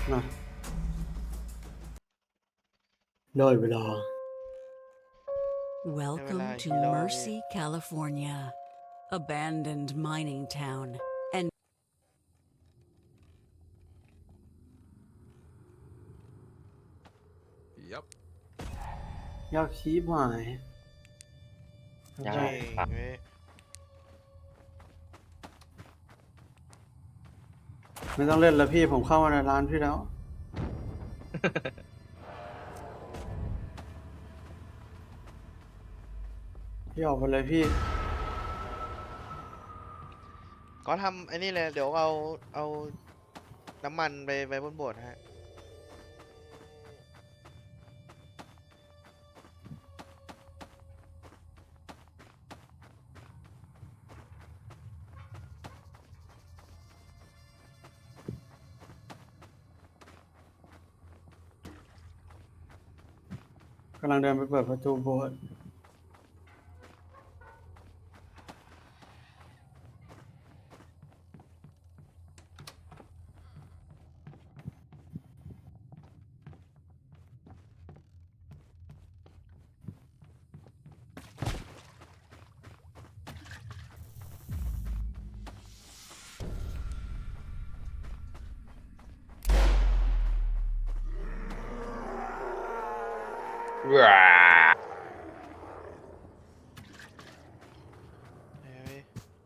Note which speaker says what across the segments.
Speaker 1: นะได้เวลา
Speaker 2: Welcome to
Speaker 3: ฮีโร่พี่
Speaker 2: Mercy, California, abandoned mining town. And
Speaker 4: ยับ
Speaker 1: ยากชีพหาย
Speaker 5: ยาก
Speaker 3: เก่
Speaker 5: ครับ
Speaker 3: งเว้ย
Speaker 1: ไม่ต้องเล่นแล้วพี่ผมเข้ามาในร้านพี่แล้ว พี่ออกไปเลยพี่
Speaker 3: ก็ทำไอ้นี่เลยเดี๋ยวเอาน้ำมันไปไว้บนโบสถ์ฮะ
Speaker 1: กำลังเดินไปเปิดประตูโบสถ์
Speaker 5: ว้า
Speaker 3: เฮ้ย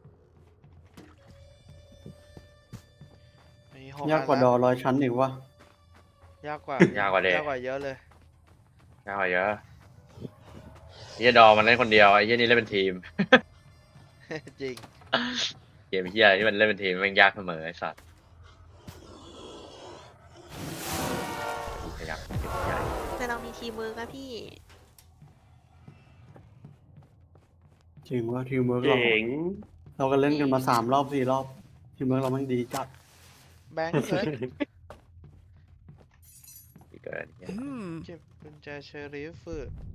Speaker 3: มีหก
Speaker 1: ยากกว่า
Speaker 3: อัน
Speaker 1: ด
Speaker 3: ละ
Speaker 1: อ100 ชั้นอีกวะ
Speaker 3: ยากกว่า
Speaker 5: ยากกว่าเด็ก
Speaker 3: ยากกว่าเยอะเลย
Speaker 5: ยากกว่าเยอะไอ้เหี้ยดอมันเล่นคนเดียวไอ้เหี้ยนี่เล่นเป็นทีม
Speaker 3: จริง
Speaker 5: เกมเหี้ยที่มันเล่นเป็นทีมมันยากเสมอไอ้สัตว์ยากใหญ่
Speaker 6: แต่เรามีทีมเวิร์กนะพี่
Speaker 1: จริงว่าทีมเวิร์กเราก็เล่นกันมา3 รอบ 4 รอบทีมเวิร์กเราแม่งดีจัด
Speaker 3: แบงค์เกิด
Speaker 5: ที่เกินเนี่ย
Speaker 3: เก็บกุญแจเชอริฟ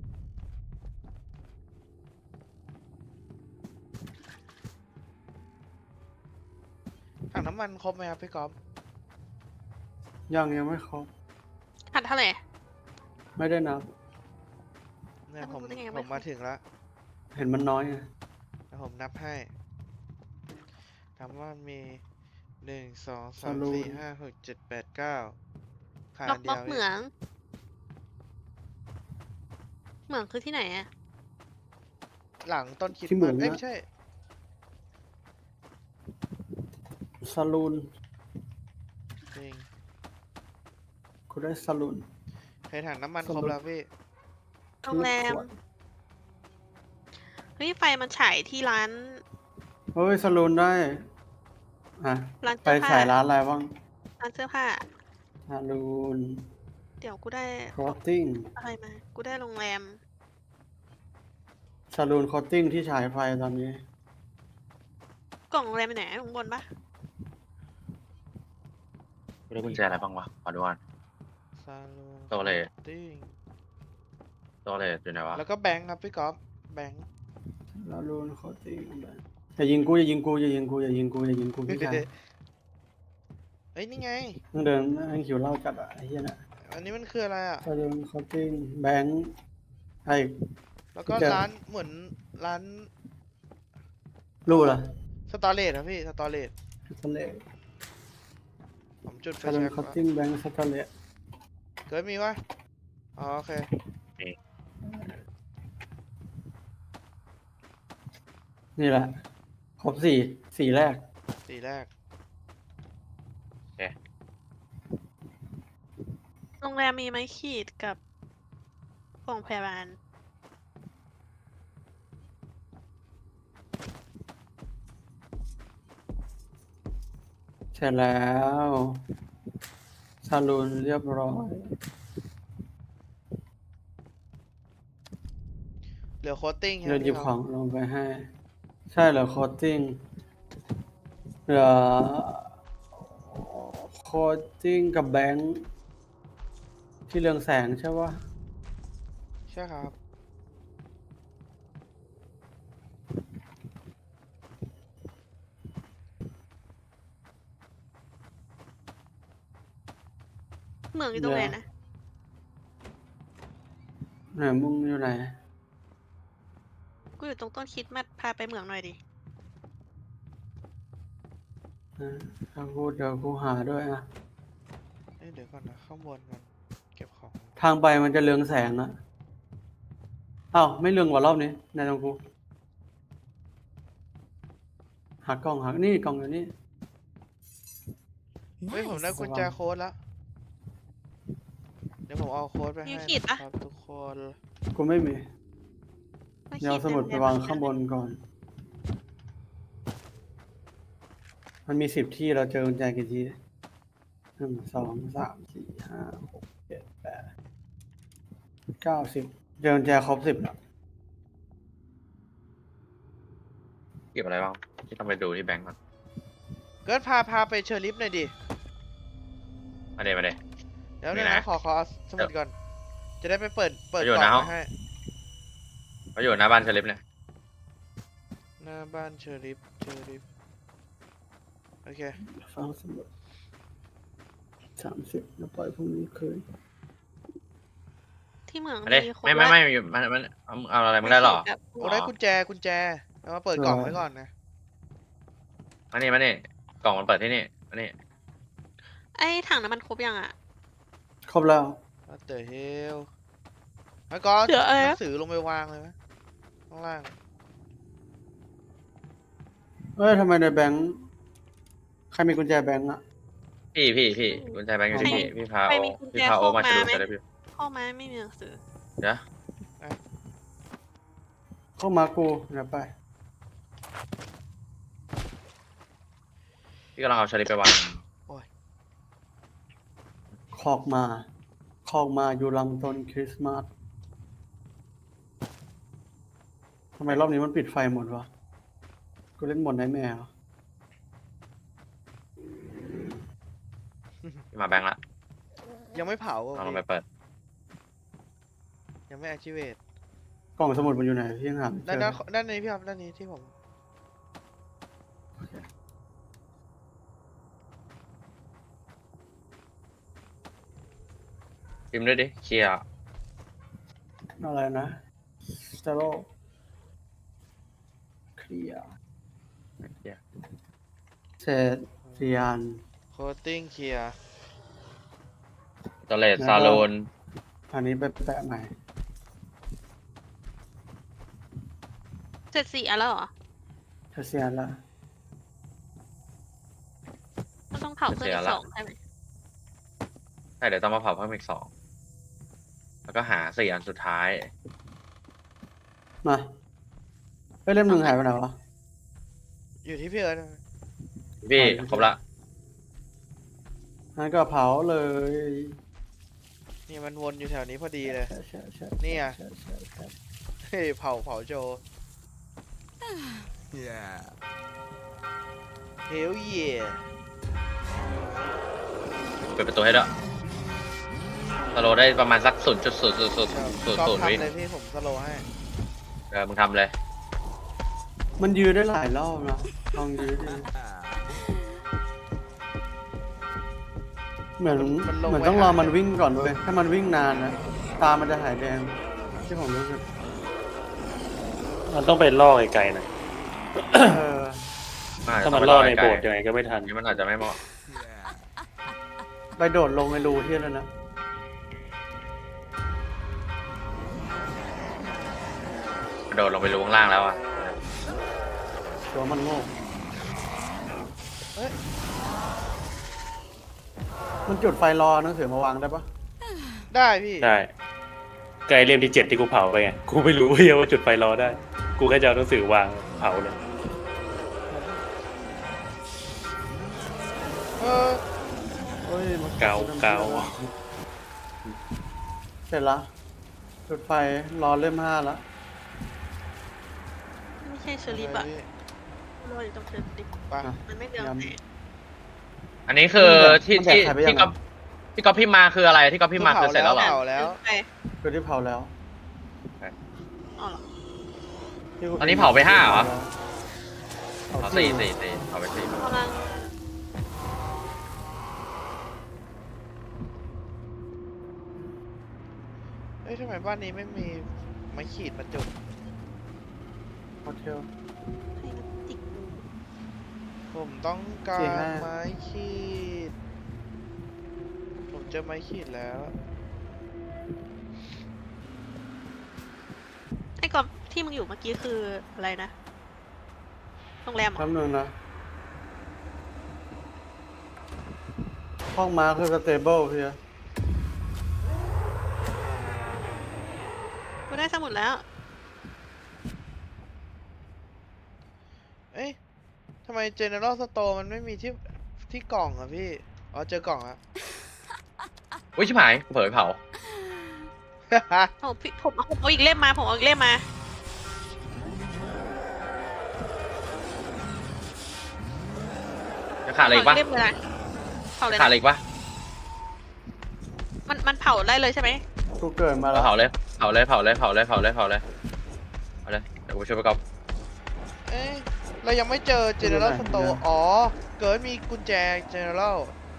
Speaker 3: ถังน้ำมันครบไหมครับพี่ก๊อฟ
Speaker 1: ยังไม่ครบ
Speaker 6: หันเท่าไหร่
Speaker 1: ไม่ได้นับ
Speaker 3: เนี่ย
Speaker 6: แล้ว
Speaker 3: ผม
Speaker 6: รู้ได้ไง
Speaker 3: ผ
Speaker 6: ว่าม
Speaker 3: มาถึงแล้ว
Speaker 1: เห็นมันน้อยไง
Speaker 3: เดี๋ยวผมนับให้ถามว่ามี1 2
Speaker 1: ส
Speaker 3: 3
Speaker 1: รุป
Speaker 3: 4 5 6 7 8 9ขาด
Speaker 6: ล็
Speaker 3: อั
Speaker 6: อก
Speaker 3: นเดี
Speaker 6: ล็
Speaker 3: ย
Speaker 6: อก
Speaker 3: ว
Speaker 6: เหมือง เหมืองคือที่ไหนอะ
Speaker 3: หลังต้นคริด
Speaker 1: ที่เหมื
Speaker 3: มา
Speaker 1: อง
Speaker 3: เอ้ย
Speaker 1: นะ
Speaker 3: ไม่ใช่
Speaker 1: ซาลูน
Speaker 3: จริง
Speaker 1: กูได้ซาลูน
Speaker 3: เคยถังน้ำมัน
Speaker 1: สรุป
Speaker 3: ครบแล้วพี่
Speaker 6: โรงแรม เฮ้ย ไฟมันฉายที่ร้าน
Speaker 1: เฮ้ยซาลูนได้อ่ะ
Speaker 6: ร้าน
Speaker 1: ไป
Speaker 6: เสื้อผ้า
Speaker 1: ฉายร้านอะไรบ้าง
Speaker 6: ร้านเสื้อผ้า
Speaker 1: ซาลูน
Speaker 6: เดี๋ยวกูได้
Speaker 1: คอตติ้ง
Speaker 6: อะไรมา กูได้โรงแรม
Speaker 1: ซาลูนคอตติ้งที่ฉายไฟตอนนี้
Speaker 6: กล่องโรงแรมไปไหนข้างบนปะ
Speaker 5: ไม่ได้กุญแจอะไรบ้างวะขอดูก่อน
Speaker 3: ซาลูน
Speaker 5: โตเลย
Speaker 3: ติ้ง
Speaker 5: ตัวเลยอยู่ไหนวะ
Speaker 3: แล้วก็แบงค์ครับพี่ก๊อฟแบงค์
Speaker 1: ซาลูนคอตติ้งอย่ายิงกูอย่ายิงกูอย่ายิงกูอย่ายิงกูอย่ายิงกูพี่ชาย
Speaker 3: เอ้ยนี่ไง
Speaker 1: ต้องเดินนั่งหิวเหล้าจัดอ่ะไอ้เหี้ยน่ะ
Speaker 3: อันนี้มันคืออะไรอ่ะ
Speaker 1: ซาลูนคอตติ้งแบงค์ไอ้
Speaker 3: แล้วก็
Speaker 1: เจอ
Speaker 3: ร้านเหมือนร้าน
Speaker 1: รู้เหรอ
Speaker 3: สตอเรจครับพี่สตอเรจ
Speaker 1: ทะเล
Speaker 3: ผมจุดไฟ
Speaker 1: ซาลูน
Speaker 3: แช็ก
Speaker 1: คอตติ้งแบงค์สตาร์เลต
Speaker 3: เกิดมีวะอ๋อโอเค
Speaker 1: นี่แหละ ครบสี่แรก
Speaker 3: สีแรก
Speaker 6: โรงแรมมีไม้ขีดกับกล่องพยาบาล
Speaker 1: เสร็จแล้วซาลูนเรียบร้อย
Speaker 3: เหลือโคตติ้ง
Speaker 1: เดินหยิบ
Speaker 3: พี่
Speaker 1: ของลงไปให้ ใช่เหรอโคตติ้งเหลือโคตติ้งกับแบงค์ที่เรืองแสงใช่ปะ
Speaker 3: ใช่ครับ
Speaker 6: เหมืองอยู่ตรงไหนนะ
Speaker 1: ไหนมึงอยู่ไหน
Speaker 6: กูอยู่ตรงต้นคริดมัดพาไปเหมืองหน่อยดิ
Speaker 1: ถ้ากูเดี๋ยวกูหาด้วยนะ
Speaker 3: เอ้ยเดี๋ยวก่อนนะข้างบนมันเก็บของ
Speaker 1: ทางไปมันจะเรืองแสงอะอ้าวไม่เรืองกว่ารอบนี้นายตรงกูหากล่องหานี่กล่องอยู่นี่
Speaker 3: เฮ้ยผมได้กุญแจโค้ดแล้วเดี๋ยวผมเอาโค้ดไปให้
Speaker 6: มีขีดปะ
Speaker 3: นะครับทุกคน
Speaker 1: กูไม่มี
Speaker 6: ไม่
Speaker 1: เดี๋ยวเอาสมุดไปวางข้างบนก่อน มันมี10 ที่เราเจอกุญแจกี่ที่1 2 3 4 5 6 7 8 9 10เจอกุญแจครบ10แล้ว
Speaker 5: เก็บอะไรบ้างที่ต้องไปดูที่แบงก์ก่อน
Speaker 3: เกิดพาไปเชอร์ลิฟหน่อยดิ
Speaker 5: มาเดี๋ยว
Speaker 3: เดี๋ยว
Speaker 5: นี่
Speaker 3: นะ
Speaker 5: นะ
Speaker 3: ขอเอาสมุดก่อน จะได้ไปเปิด
Speaker 5: อยู่
Speaker 3: กล่อง
Speaker 5: นะ
Speaker 3: มาให้
Speaker 5: เขาอยู่หน้าบ้านเชลิฟเนี่ย
Speaker 3: หน้าบ้านเชอร์ลิฟโอเค
Speaker 1: ฟังสมุด30แล้วปล่อยพรุ่งนี้คืน
Speaker 6: ที่เหมือง
Speaker 5: มาดิ
Speaker 6: มีคน
Speaker 5: ไม่อยู่มันเอาอะไรมึงได้หรอ
Speaker 3: โอ้ได้กุญแจเอามาเปิดกล่องไว้ก่อนนะ
Speaker 5: มานี่กล่องมันเปิดที่นี่มานี่
Speaker 6: ไอ้ถังน้ำมันครบยังอ่ะ
Speaker 1: ครบแล้ว
Speaker 3: What the hell แล้วก็
Speaker 6: เดี๋ยวอะไร
Speaker 3: ห
Speaker 6: นะ
Speaker 3: นังสือลงไปวางเลยไหมข้างล่าง
Speaker 1: ทำไมในแบงค์ใครมีกุญแจแบงค์อะ
Speaker 5: พี่กุญแจแบงก์อยู่ที่พี่พา
Speaker 6: ใคร
Speaker 5: โอ
Speaker 6: มีกุญแจ
Speaker 5: พี่พาโอมา
Speaker 6: เข้า
Speaker 5: จะ
Speaker 6: มา
Speaker 5: ดู
Speaker 6: ไหม
Speaker 5: เชลิฟอยู่
Speaker 6: เข้ามาไม่มีหนังสือ
Speaker 5: เดี๋ยว
Speaker 1: เข้ามากูเดี๋ยวไป
Speaker 5: พี่กำลังเอาเชลิฟไปวาง
Speaker 1: คอกมาอยู่ลำต้นคริสต์มาสทำไมรอบนี้มันปิดไฟหมดวะกูเล่นหมดไนท์แมร์เหรอ
Speaker 5: พี่มาแบงก์ละ
Speaker 3: ยังไม่เผาอ่ะ
Speaker 5: เอาลง
Speaker 3: พี่
Speaker 5: ไปเปิด
Speaker 3: ยังไม่ activate
Speaker 1: กล่องสมุดมันอยู่ไหนพี่ยังหาไม่เจ
Speaker 3: ด้าน
Speaker 1: อ
Speaker 3: นี้พี่ครับด้านนี้ที่ผม
Speaker 5: พิมพ์ด้วยดิเคลียร์
Speaker 1: อะไรนะสเตโรเคลียร์เศษเซียน
Speaker 3: coating clear
Speaker 5: ตเลสซาลูน
Speaker 1: อันนี้ไปแปะใหม่
Speaker 6: เสร็จ4 อันแล้วเหรอ
Speaker 1: เซียนละ
Speaker 6: มันต้องเผาเพื่อนอีก2ใช่ไหม
Speaker 5: ใช่เดี๋ยวต้องมาเผาเพิ่มอีก2แล้วก็หา4 อันสุดท้าย
Speaker 1: มาเล่มหนึ่งหายไปไหนวะ
Speaker 3: อยู่ที่พี่เอิร์ธ
Speaker 5: พี่ครบละ
Speaker 1: งั้นก็เผาเลย
Speaker 3: นี่มันวนอยู่แถวนี้พอดีเลย
Speaker 1: ใช่
Speaker 3: นี่ไง
Speaker 1: ใช่
Speaker 3: เฮ้ยเผาโจ Hell yeah
Speaker 5: เปิดประตูให้ด้วยสโลว์ได้ประมาณสัก 0.000
Speaker 3: ก็
Speaker 5: วิ
Speaker 3: ทำเลยพี่ผมสโลว์ให้
Speaker 5: มึงทำเลย
Speaker 1: มันยืดได้หลายรอบนะลองยืดดิเหมือนต้องรอมันวิ่งก่อนด้วยถ้ามันวิ่งนานนะตามันจะหายแดงที่ผมรู้สึก
Speaker 4: มันต้องไปล่อไกลๆหน่อย
Speaker 1: เออ
Speaker 4: ถ้ามันล่อในโบสถ์ยังไงก็ไม่ทัน
Speaker 5: นี่มันอาจจะไม่เหมาะ
Speaker 1: ไปโดดลงในรูที่แล้วนะ
Speaker 5: กระโดดลงไปลงข้างล่างแล้วอ่ะ
Speaker 1: ตัวมันโง่มันจุดไฟรอหนังสือมาวางได้ปะ
Speaker 3: ได้พี่
Speaker 4: ได้ไกลเล่มที่7ที่กูเผาไปไง กูไม่รู้ว่าจุดไฟรอได้ กูแค่จะเอาหนังสือวางเผาเลย
Speaker 3: เออ
Speaker 1: เฮ้ยมัน
Speaker 4: เกา
Speaker 1: เสร็จละจุดไฟรอเล่ม5แล้ว
Speaker 6: ไม่ใช่เชอริฟอะรออยู่ตรงเชอริฟ
Speaker 3: ไป
Speaker 6: มันไม่เดือด
Speaker 1: ย้
Speaker 5: อันนี้คือที่
Speaker 1: มันแดก
Speaker 5: ที่
Speaker 1: ใครไปยัง
Speaker 5: ที่ก๊อปพี่มาคืออะไรที่ก๊อปพี่มาคือเสร็จแล้วเหรอ
Speaker 3: เผาแล้ว
Speaker 6: ไป
Speaker 1: คือที่เผาแล้ว
Speaker 6: อ๋อเหรอ
Speaker 5: อันนี้เผาไป5เหรอ
Speaker 1: เผา
Speaker 5: เอา
Speaker 1: 4
Speaker 5: 4เผาไป4
Speaker 6: กำลัง
Speaker 3: เอ้ยทำไมบ้านนี้ไม่มีไม้ขีดมาจุด
Speaker 1: โฮเทล
Speaker 6: ให้มันติด
Speaker 3: ผมต้องกา
Speaker 1: สี่
Speaker 3: ร
Speaker 1: ห้า
Speaker 3: ไม้ขีด ผมเจอไม้ขีดแล้ว
Speaker 6: ไอ้กอบที่มึงอยู่เมื่อกี้คืออะไรนะโรงแรมเหรอ
Speaker 1: แป๊บนึงนะห้องม้าคือสเตเบิลพี่
Speaker 6: กูได้สมุดแล้ว
Speaker 3: เอ้ยทำไม General Store มันไม่มีที่กล่องอะพี่ อ๋อเจอกล่องอะ
Speaker 5: อุ้ยชิบหายกูเผลอไปเผา
Speaker 6: ผมเอาอีกเล่มมา ผมเอาอีกเล่มมา
Speaker 5: จะขาดอะไรอีกปะ
Speaker 6: เล่มเลยนะเผาเลย
Speaker 5: ขาด
Speaker 6: นะ
Speaker 5: อะไรอีกปะ
Speaker 6: มันเผาได้เลยใช่ไหม
Speaker 1: กูเกิดมาแล้ว
Speaker 5: เผาเลยเผาเลยเผาเลยเผาเลยเผาเลยเผาเลยเอาเลยเดี๋ยวกูไปช่วยไปกอบ
Speaker 3: เอ้ยเรายังไม่เจอ General Store อ๋อ เกิดมีกุญแจ General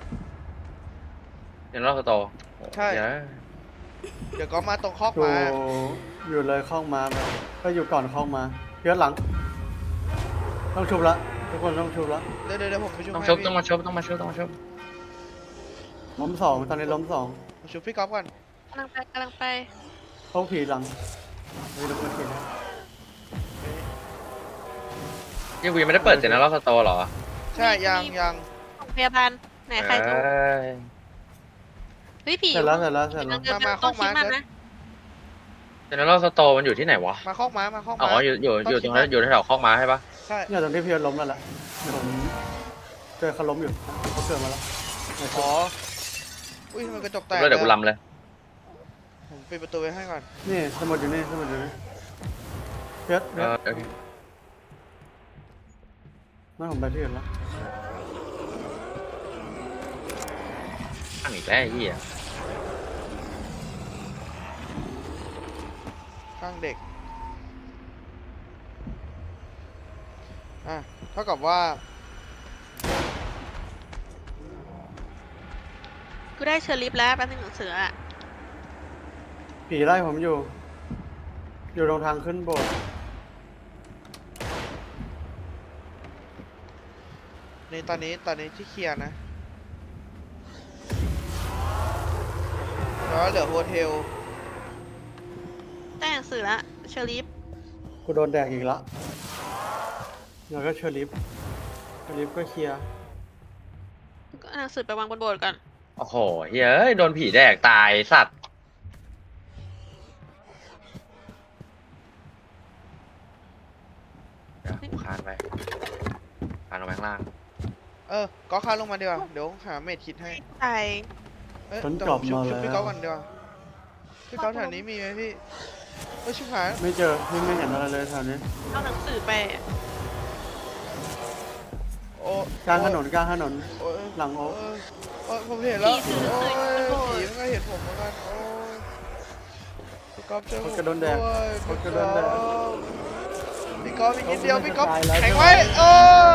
Speaker 5: เดี๋ยวเราสโต
Speaker 3: ใช่ เดี๋ยวก็มาตรงคอก
Speaker 1: อยู่
Speaker 3: ม้า
Speaker 1: อยู่เลยข้องม้าไปก็อยู่ก่อนข้องม้าเพี้ยนหลัง ต้องชุบละทุกคนต้องชุบละ
Speaker 3: เดี๋ยวผมไปช่วย
Speaker 5: ต้อง
Speaker 3: ให้
Speaker 5: ชุบ
Speaker 3: พี่
Speaker 5: ต้องมาชุบต้องมาชุบต้องมาชุบ
Speaker 1: ล้มสองตอนนี้ล้มสอง
Speaker 3: ผมช่วยพี่ก๊อฟก่อน
Speaker 6: กำลังไป
Speaker 1: เข้าผีหลังไม่รู้มันเขียนอะไร
Speaker 5: ยังกูยังไม่ได้เปิดเจนแล้วสโตหรอ
Speaker 3: ใช่ยัง
Speaker 6: โรงพยาบาลไหนใครดู
Speaker 5: เอ้ย
Speaker 6: เฮ้ยผี
Speaker 1: เสร็จแล้วเสร็จแล้วเสร็จแล้ว
Speaker 6: ต้องคิดมากนะ
Speaker 5: เจนแล้วสโตมันอยู่ที่ไหนวะ
Speaker 3: มาคอกม้ามาคอก
Speaker 5: อ๋
Speaker 3: ม้า
Speaker 5: ออยู่ตรงนั้นอยู่แถวคอกม้าใช่ปะ
Speaker 3: ใช่
Speaker 1: เนี่ยตอนที่เพี้ยนล้มนั่นแหละเดี๋ยวผมเจอเขาล้มอยู่เขาเกิดมาแล้วเนี่ย
Speaker 3: อ๋อ อุ้ยทำไมกระจกแตก
Speaker 5: แล้วเดี๋ยวกูลำเลย
Speaker 3: ผมปิดประตูไว้ให้ก่อน
Speaker 1: นี่สมุดอยู่นี่สมุดอยู่นี่เพี้ยน
Speaker 5: โอเค
Speaker 1: ไม่ผมไปที่อื่นแล้ว
Speaker 5: ตั้งอีกแล้วไอ้เหี้ย
Speaker 3: ข้างเด็ก อ่ะ เท่ากับว่า
Speaker 6: กูได้เชอร์ลิฟแล้วแป๊บนึงหนังสืออะ
Speaker 1: ผีไล่ผมอยู่ อยู่ตรงทางขึ้นโบสถ์
Speaker 3: ในตอนนี้ที่เคลียร์นะ แล้วเหลือโฮเทล
Speaker 6: ได้หนังสือแล้วเชอร์ลิฟ
Speaker 1: กูโดนแดกอีกละแล้วก็เชอร์ลิฟก็เคลียร์
Speaker 6: ก็เอาหนังสือไปวางบนโบสถ์ก่อน
Speaker 5: โอ้โหเฮ้ยโดนผีแดกตายสัตว์เดี๋ยวกูคานไปคานลงไปข้างล่าง
Speaker 3: ก็ค้าลงมาดีกว่า เดี๋ยวหาเมดคิดให้
Speaker 6: ใช่
Speaker 3: เอ้ย
Speaker 1: ฉัน
Speaker 3: แต่
Speaker 1: กลับ
Speaker 3: ชุ
Speaker 1: มา
Speaker 3: ชุ
Speaker 1: แล้
Speaker 3: พี่ก๊อฟ
Speaker 1: ว
Speaker 3: ก่อนดีกว่าพี่ก๊อฟแถวนี้มีไหมพี่เอ้ยชิบหาย
Speaker 1: ไม่เจอพี่ไม่เห็นอะไรเลยแถวนี้
Speaker 6: เอาหนังสือไป
Speaker 3: โอ้
Speaker 1: กลางถนน
Speaker 3: โอ้ย
Speaker 1: หลังโอ๊ค
Speaker 3: โอ้ยผมเห็นแล้ว
Speaker 6: ผีถือหนัง
Speaker 3: โอ้
Speaker 6: สื
Speaker 3: ย
Speaker 6: ออยู่บนโบสถ์
Speaker 3: ผีมันก็เห็นผมเหมือนกันโอ้ยพี่ก๊อฟเจอผม
Speaker 1: คนกระโดนแดก
Speaker 3: ด้วย
Speaker 1: คนกระโดนแดก
Speaker 3: พี่ก๊อฟอีกนิดเดียว
Speaker 1: เขาไม่
Speaker 3: พี่ก๊อฟ
Speaker 1: ตายแล้ว
Speaker 3: แข็งไว้เออ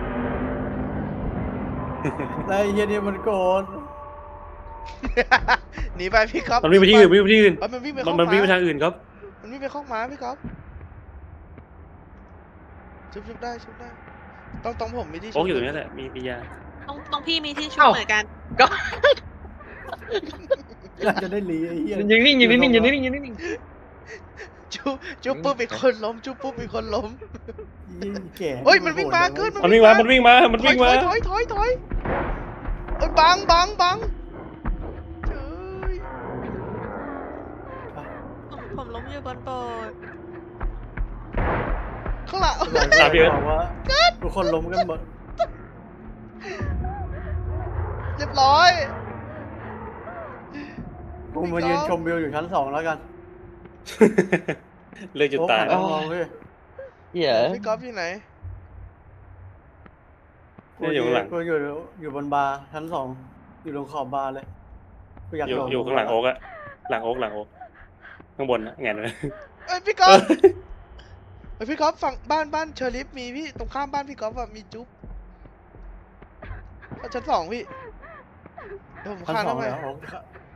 Speaker 1: แล้วไอ้เฮียนี่มันโกน
Speaker 3: หนีไปพี่ก๊อฟ
Speaker 4: มันวิ่งไปที่อื่นวิ่งไปที่อื่น
Speaker 3: เอ้ยมันวิ่งไป
Speaker 4: มันวิ่งไปทางอื่นครับ
Speaker 3: มันวิ่งไปข้องม้าพี่ก๊อฟชุบได้ต้องผมมีที่ชุ
Speaker 4: โอ๊กอยู่ตรงนี้แหละมียา
Speaker 6: ตรงพี่มีที่ชุบ
Speaker 5: เอ้า
Speaker 6: เหมือนกัน
Speaker 5: ก็
Speaker 1: อยากจะได้หลีไอ้เฮีย
Speaker 5: ยืนนิ่งยืนนิ่งยืนนิ่งยืนนิ่ง
Speaker 3: จุบปุ๊บอีกคนล้มจุบปุ๊บอีกคนล้ม
Speaker 1: ยิ่งแก่
Speaker 3: เฮ้ยมันวิ่งมาเกิน
Speaker 4: มันวิ่งมา มันวิ่งมา มัน
Speaker 3: ถอ
Speaker 4: วิ่
Speaker 3: ย
Speaker 4: งมา
Speaker 3: ถอยเอ้ยบังเจ้ย
Speaker 6: ผมล้มอยู่บนโบสถ์
Speaker 3: ข้างหลัง
Speaker 4: ตามพี่เอิร์ธ
Speaker 1: บอกว่าทุกคนล้มกันหมด
Speaker 3: เรียบร้อย
Speaker 1: กูมายืนชมวิวอยู่ชั้น 2แล้วกัน
Speaker 4: เลือกจุดตาย
Speaker 1: โอ้หันมามองเว้ย
Speaker 5: เหี้ย
Speaker 3: พี่ก๊อฟอยู่ไหน
Speaker 4: เนี่ยอยู่ข้างหลัง
Speaker 1: กูอยู่บนบาร์ชั้น 2อยู่ตรงขอบบาร์เลยกูอยาก
Speaker 4: อยู่
Speaker 1: ลง
Speaker 4: อยู่ข้างหลังโอ๊กอะหลังโอ๊กข้างบนนะแงนเลย
Speaker 3: เอ้ยพี่ก๊อฟเอ้ยพี่ก๊อฟฝั่งบ้านเชอริฟมีพี่ตรงข้ามบ้านพี่ก๊อฟอะมีจุ๊บชั้น 2พี่เดี๋ยวผม
Speaker 1: ชั้น
Speaker 3: ข้าม
Speaker 1: 2
Speaker 3: ไป
Speaker 1: แล้วโอ้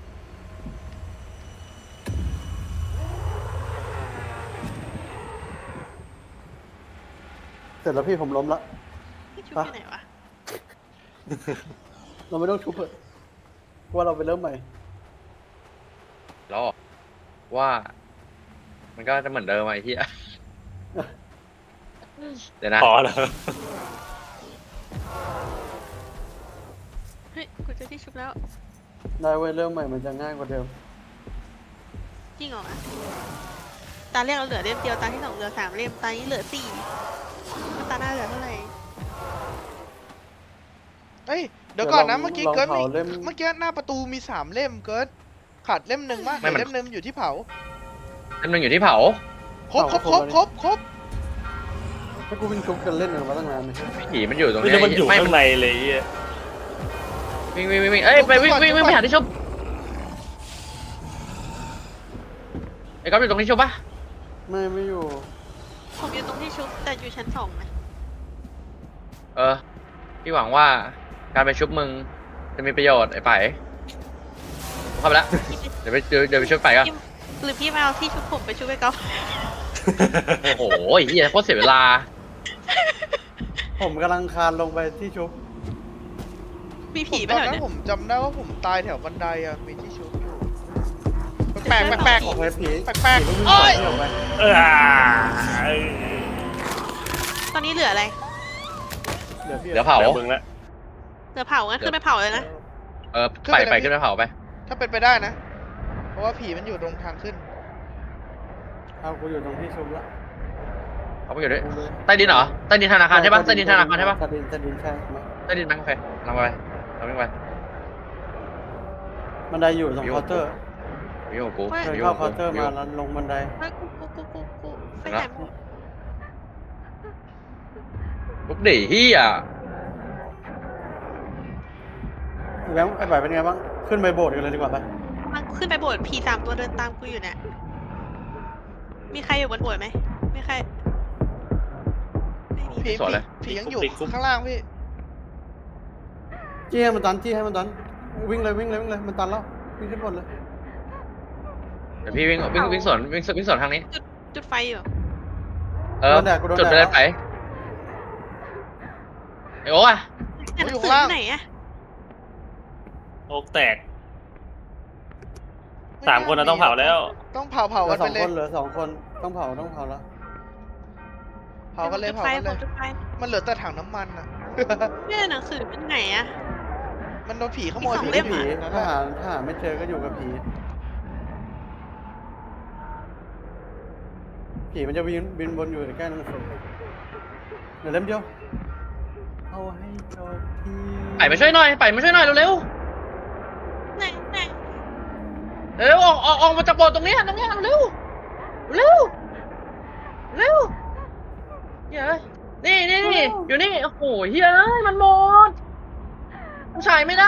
Speaker 1: เสร็จแล้วพี่ผมล้มละ
Speaker 6: พี่ชุบ
Speaker 1: ปะ
Speaker 6: ที่ไหนวะ
Speaker 1: เราไม่ต้องชุบเถอะว่าเราไปเริ่มใหม่
Speaker 5: แล้วว่า มันก็จะเหมือนเดิมไอ้ที่ เดี๋ยวนะ
Speaker 4: พอแล้ว
Speaker 6: เฮ้ยกูเจอที่ชุบแล้ว
Speaker 1: ได้เว้ยเริ่มใหม่มันจะง่ายกว่าเดิม
Speaker 6: จริงเหรอวะตาแรกเราเหลือเล่มเดียวตาที่สองเหลือ3 เล่มตานี้เหลือ4แล้วตาหน้าเหลือเท่าไหร่
Speaker 3: เอ้ยเดี๋ยวก่อนนะ
Speaker 1: เดี๋ยวลอง
Speaker 3: เมื่อกี้
Speaker 1: ลอง
Speaker 3: เกิร์ด
Speaker 1: เผาเล่ม
Speaker 3: เมื่อกี้หน้าประตูมี3 เล่มเกิร์ดขาดเล่มหนึ่งมั้ย
Speaker 5: ไม่มัน
Speaker 3: เล่มหนึ่งอยู่ที่เผา
Speaker 5: อันหนึงอยู่ที่เผา
Speaker 3: ครบครบครบครบครบ
Speaker 1: ถ้ากูวิ่งชุบกันเล่นกันมาตั้งนานเลย
Speaker 5: ผีมันอยู่ตรง
Speaker 4: ไม่
Speaker 5: เนี้
Speaker 4: ได้มันอยู่
Speaker 5: ไม่
Speaker 4: ข้างในเลยไอ้เหี้ย
Speaker 5: วิ่งเอ้ยไปวิ่งไปหาที่ชุบไอ้ก๊อฟอยู่ตรงที่ชุบปะ
Speaker 1: ไม่อยู่
Speaker 6: ผมอยู่ตรงที่ชุบแต่อยู่ชั้น2นะ
Speaker 5: พี่หวังว่าการไปชุบมึงจะมีประโยชน์ไอ้ไปเข้าไปแล้วเดี๋ยวไปชุบไปก็
Speaker 6: พี่หรือพี่มาเอาที่ชุบผมไปชุบไปก๊อฟ
Speaker 5: โอ้โหไอ้เหี้ยโคตรเสียเวลา
Speaker 1: ผมกำลังคานลงไปที่ชุบ
Speaker 6: มี
Speaker 3: ผ
Speaker 6: ผี
Speaker 3: ม
Speaker 6: ไหม
Speaker 3: ตอน
Speaker 6: เหรอ
Speaker 3: นั้
Speaker 6: เนี่
Speaker 3: น
Speaker 6: ย
Speaker 3: ผมจำได้ว่าผมตายแถวบันไดอะมีที่ชุบอยู่แปลกแปลก
Speaker 1: ออกไปผี
Speaker 3: แปลก
Speaker 1: ผี
Speaker 3: ๆ
Speaker 1: วิ่ง
Speaker 3: โอ้
Speaker 1: สวน
Speaker 3: ย
Speaker 1: ที่ออกไป
Speaker 6: ตอนนี้เหลืออะไร
Speaker 1: เดี๋ยวพี่
Speaker 5: เดี๋ยวเผา
Speaker 4: เดี๋ยวมึงละ
Speaker 6: เหลือเผางั้นขึ้นไปเผาเลยนะ
Speaker 5: ไปขึ้นไปเผาไป
Speaker 3: ถ้าเป็นไปได้นะ เพราะว่าผีมันอยู่ตรงทางขึ้น
Speaker 1: เอากูอยู่ตรงที่ชุบละ
Speaker 5: เอาไปอยู่ด้วยใต้ดินเหรอใต้ดินธนาคารใช่ปะใต้ดินธนาคารใช่ปะ
Speaker 1: ใต้ดินใช่ไหม
Speaker 5: ใต้ดินไหมโอเคเราไปเราวิ่งไป
Speaker 1: บันไดอยู่ตรงเคาน์เตอร์
Speaker 5: วิ่งของกู
Speaker 1: เดินเข้าเคาน์เตอร์มาแล้วลงบันได
Speaker 6: เฮ้ยกูไปไหนหมด
Speaker 5: ลุกดิเฮีย
Speaker 1: แบงค์ไอ้บ่ายเป็นไงบ้างขึ้นไปโบสถ์กันเลยดีกว่าไป
Speaker 6: มันขึ้นไปโบสถ์ผี3 ตัวเดินตามกูอยู่เนี่ยมีใครอยู่บนโบสถ์ไหมไม่ใครไม่มี
Speaker 3: ผียังอยู่ข้างล่างพี่
Speaker 1: จี้ให้มันตันวิ่งเลยมันตันแล้ววิ่งขึ้นบนเลย
Speaker 5: เดี๋ยวพี่วิ่งสวนทางนี้
Speaker 6: จุดไฟอยู่
Speaker 5: จุดไปเลยไปไอ้โอ้อะ
Speaker 6: แต่หนังสือที่ไหนอะ
Speaker 4: โอกแตก 3 คนนะต้องเผาแล้ว
Speaker 3: ต้องเผา
Speaker 1: เหลื
Speaker 3: กั
Speaker 1: อน ส
Speaker 3: ไป
Speaker 1: อง
Speaker 3: เล
Speaker 1: ค
Speaker 3: ย
Speaker 1: นเหลือ2 คนต้องเผาแล้ว
Speaker 3: เผากันเลย
Speaker 6: จุด
Speaker 3: เผา
Speaker 6: ไฟ
Speaker 3: กันเลย
Speaker 6: จุดไฟ
Speaker 3: มันเหลือแต่ถังน้ำมันอะ
Speaker 6: เนี่ยหนังสือเป็นไหนอะ
Speaker 3: มันโดนผีขโมย
Speaker 6: มี
Speaker 3: พี่
Speaker 6: 2 เล่ม
Speaker 1: ผี
Speaker 3: นั่น
Speaker 1: ถ้า
Speaker 3: แหละ
Speaker 1: หาไม่เจอก็อยู่กับผีมันจะบินบนอยู่ใกล้หนังสือเดี๋ยวเล่มเดียวเอาให้จบที
Speaker 5: ไปมาช่วยหน่อยเร็ว
Speaker 6: ไหน
Speaker 5: เร็วออกมาจากโบสถ์ตรงนี้เร็วเฮ้ยนี่อยู่นี่โอ้โหเฮ้ยมันหมดมันฉายไม่ได้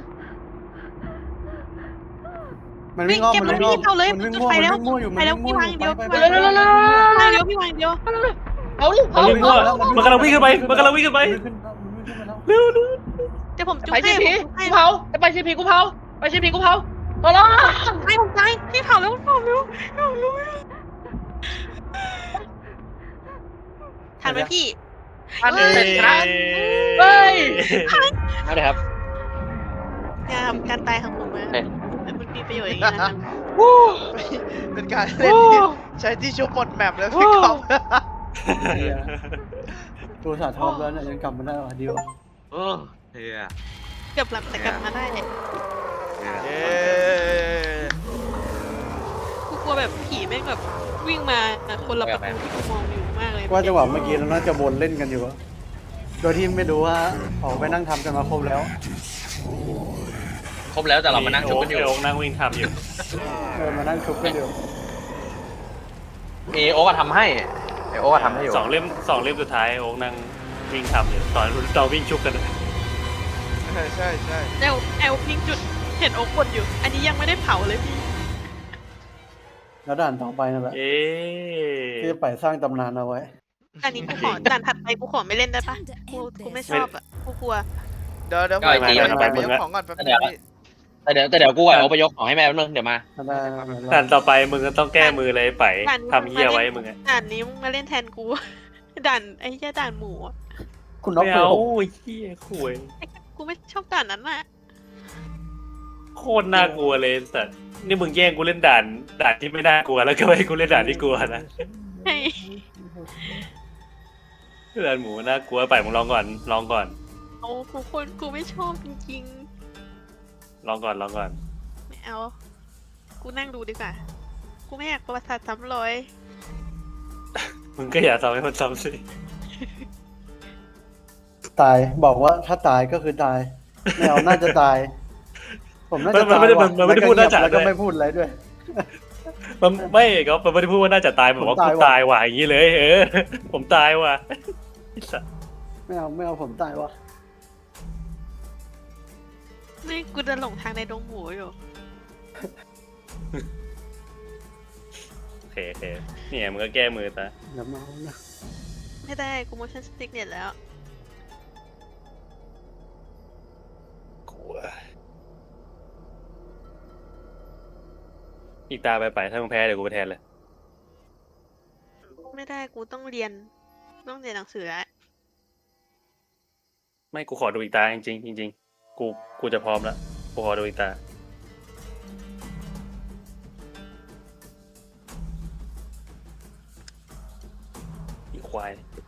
Speaker 1: มันวิ่งอ้อม
Speaker 6: เก็บ
Speaker 1: มัน
Speaker 6: รถ
Speaker 1: วิ่งอ้อม
Speaker 6: พี่เอาเลย
Speaker 1: มันวิ่ง
Speaker 6: จุด
Speaker 1: มั่ว
Speaker 6: ไฟ
Speaker 1: มัน
Speaker 6: แล้ว
Speaker 1: วิ่งมั่วอยู่
Speaker 6: ไปแล้วพี่วางเดียว
Speaker 1: ไป
Speaker 6: พี่
Speaker 1: ไป
Speaker 6: วาง
Speaker 1: ไป
Speaker 6: เดียว
Speaker 1: ไป
Speaker 6: วางเดียวพี่วางเดียว
Speaker 5: เอาดิ
Speaker 4: มันวิ่งมั่วมันกำลังวิ่งขึ้นไปมันกำลังวิ่งขึ้นไป
Speaker 1: มันวิ่งขึ้นมาแล้ว
Speaker 4: เร็ว
Speaker 6: เดี๋ยวผมจุด
Speaker 5: ไป
Speaker 6: ให้
Speaker 5: ซีพี
Speaker 6: ผม
Speaker 5: กูเผาไปซีพีกูเผาตลอด
Speaker 6: ให้ผมตายพี่เผาแล้วทันไหมพี่
Speaker 5: ทัน
Speaker 6: เอ้ย
Speaker 5: เสร็จนะเฮ้ยเอาเลยครับ
Speaker 6: อย่าทำการตายของผมนะ
Speaker 5: เอ๊ะ
Speaker 6: มันมีประโยชน์อย่างนี้นะ
Speaker 3: เป็นการเล่นที่ใช้ที่ชุบหมดแมปแล้วพี่กอล์ฟ
Speaker 1: เหี้ยตัวสาทอมแล้วเนี่ยยังกลับมาได้ว่ะเดียว
Speaker 5: โอ้เฮีย
Speaker 6: เกือบหลับแต่กลับมาได้เนี่ย
Speaker 3: เย้
Speaker 6: กูกลัวแบบผีแม่งแบบวิ่งมาคนละประตูที่กูมองอยู่มากเลย
Speaker 1: ว่าจังหวะเมื่อกี้เราน่าจะวนเล่นกันอยู่อะโดยที่ไม่รู้ว่าออกไปนั่งทำกันมาครบแล้ว
Speaker 5: ครบแล้วแต่เรามานั่งชุบกันอยู่
Speaker 4: โอ๊กนั่งวิ่งทำอยู่
Speaker 1: มานั่งชุบกันอยู่
Speaker 5: มีโอ๊กทำให้ไอโอ๊กทำให้อยู่
Speaker 4: 2 เล่มสุดท้ายโอ๊กนั่งวิ่งทำอยู่ตอนเราวิ่งชุบกัน
Speaker 3: ใช่
Speaker 6: แอลพิงจุดเห็นโอ๊กกดอยู่ อันนี้ยังไม่ได้เผาเลยพี่
Speaker 1: แล้วด่านต่อไปนั่นแหละ
Speaker 4: เอ๊ะ
Speaker 1: ที่จะไปสร้างตำนานเอาไว้
Speaker 6: อันนี้กูขอด่านถัดไปกูขอไม่เล่นได้ปะกูไม่ชอบอ่ะกูกลัว
Speaker 3: เดี๋ยว
Speaker 5: ก็ไอ้ตีมัน
Speaker 3: ไปยกของก่อนแป๊บนึงพี่
Speaker 5: แต่เดี๋ยวกูกับโอ๊กไปยกของให้แม่แป๊บนึงเดี๋ยวมา
Speaker 1: ได้
Speaker 4: ด่านต่อไปมึงก็ต้องแก้มือเลยไปทำเหี้ยไว้มึงอะ
Speaker 6: ด่านนี้มึงมาเล่นแทนกูด่านไอ้แค่ด่านหมูอะ
Speaker 1: คุณน็อก
Speaker 4: ไม่
Speaker 1: ไป
Speaker 4: เอา
Speaker 1: ผม
Speaker 4: ไอ้เหี้ยคุย
Speaker 6: ไอ้กูไม่ชอบด่านนั้นน่ะ
Speaker 4: โคตรน่ากลัวเลยสัตว์นี่มึงแย่งกูเล่นด่านที่ไม่น่ากลัวแล้วก็ให้กูเล่นด่านที่กลัวนะ
Speaker 6: ไอ้
Speaker 4: ด่านหมูน่ากลัวไปมึงลองก่อน
Speaker 6: โอ้กูไม่ชอบจริง
Speaker 4: ลองก่อน
Speaker 6: ๆไม่เอา กูนั่งดูดีกว่า กูไม่อยากประวัติศาสตร์ซ้ำรอย
Speaker 4: มึงก็อย่าทำให้มันซ้ำสิ
Speaker 1: ตายบอกว่าถ้าตายก็คือตายแมวน่าจะตาย ผมน่าจะ
Speaker 4: มัน
Speaker 1: ตาย
Speaker 4: ไม่ได้
Speaker 1: ว่ะ
Speaker 4: มันไม่ได้พูดน่าจะ
Speaker 1: แล้วก็
Speaker 4: ด้วย
Speaker 1: ไม่พูดอะไรด้วย
Speaker 4: มันไม่ก็มันไม่ได้พูดว่าน่าจะตายแบบว่า
Speaker 1: ผม
Speaker 4: กู
Speaker 1: ตายว่ะ
Speaker 4: ตายว่ะอย่างนี้เลย ผมตายว่ะไอ้สัส
Speaker 1: ไม่เอาผมตายว่ะ
Speaker 6: นี่กูเดินหลงทางในดงหมูอยู่
Speaker 4: โอเคเนี่ยมึงก็แก้มือซะ
Speaker 1: เดี๋ยวเมานะ
Speaker 6: ไม่ได้ กู motion sickness แล้ว
Speaker 4: กลัวอีกตาไปถ้ามึงแพ้เดี๋ยวกูไปแทนเลย
Speaker 6: ไม่ได้ กูต้องเรียนหนังสือแล้ว
Speaker 4: ไม่กูขอดูอีกตาจริงๆจริงๆกูจะพร้อมแล้วกูขอดูอีกตาอีควาย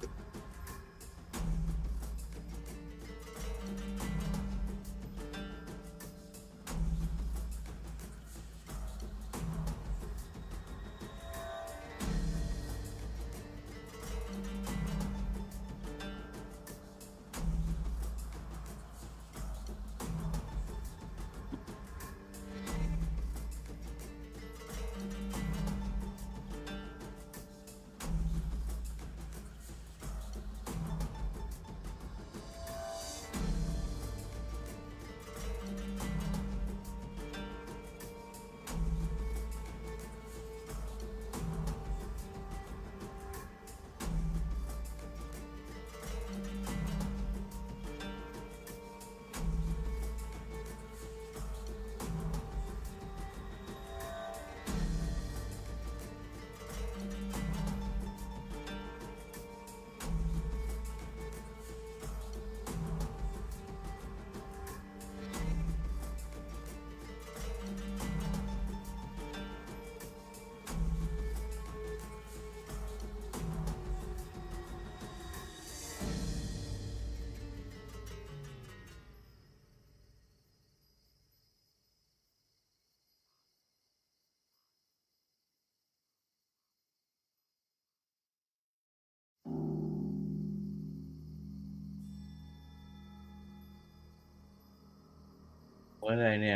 Speaker 7: ว่าอะไรเนี่ย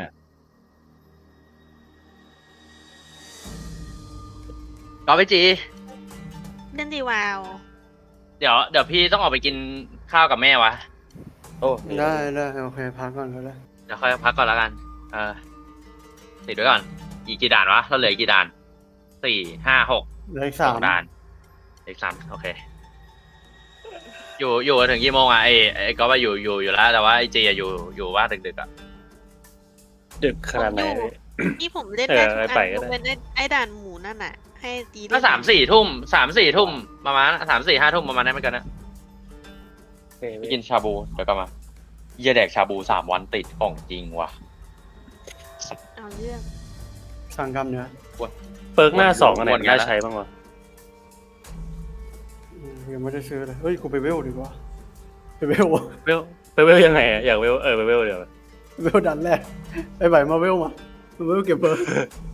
Speaker 5: ก็ไปจี
Speaker 6: เล่นดีวาว
Speaker 5: เดี๋ยวพี่ต้องออกไปกินข้าวกับแม่วะ
Speaker 4: โอ้
Speaker 1: ได้โอเคพักก่อนก็ได้
Speaker 5: เดี๋ยวค่อยพักก่อนแล้วกัน ติดไว้ก่อน อีกกี่ด่านวะ เราเหลืออีกกี่ด่าน 4 5 6
Speaker 1: เหลืออีก
Speaker 5: ส
Speaker 1: สา
Speaker 5: อ
Speaker 1: ม
Speaker 5: งด่านอีก3โอเค อยู่ถึงกี่โมงอ่ะไอ้ก็ว่าอยู่แล้ว แต่ว่าไอ้จีอะอยู่ว่าดึกๆอ่ะ
Speaker 4: ดึกขนาดไหน
Speaker 6: ที่ผมเล่นได้ทุก
Speaker 4: ไป
Speaker 6: อัน
Speaker 4: ก็
Speaker 6: ย
Speaker 4: ได้
Speaker 6: กเว้นไอ้ด่านหมูนั่นน่ะ ให้ตี
Speaker 5: ก็3-4 ทุ่ม3-4 ทุ่มประมาณ3-4-5 ทุ่มประมาณนั้นเหมือนกันนะไปกินชาบูเดี๋ยวกลับมาเยี่ยแดกชาบู3 วันติดของจริงว่ะ
Speaker 6: เอาเรื่อง
Speaker 1: สั่งกรรมเนื้อ
Speaker 4: เปิร์กหน้า2อันไหน
Speaker 5: วนๆ
Speaker 4: น่า
Speaker 5: นะ
Speaker 4: ใช้บ้างวะ
Speaker 1: ยังไม่ได้ซื้อเลยเฮ้ยกูไปเวลดีกว่าไปเวล
Speaker 4: ไปเวลยังไงอะอยากเวลไปเวลเดี๋ยว
Speaker 1: เวลดันแรกไอ้ใบมาเวลมาเวลเก็บเบอร์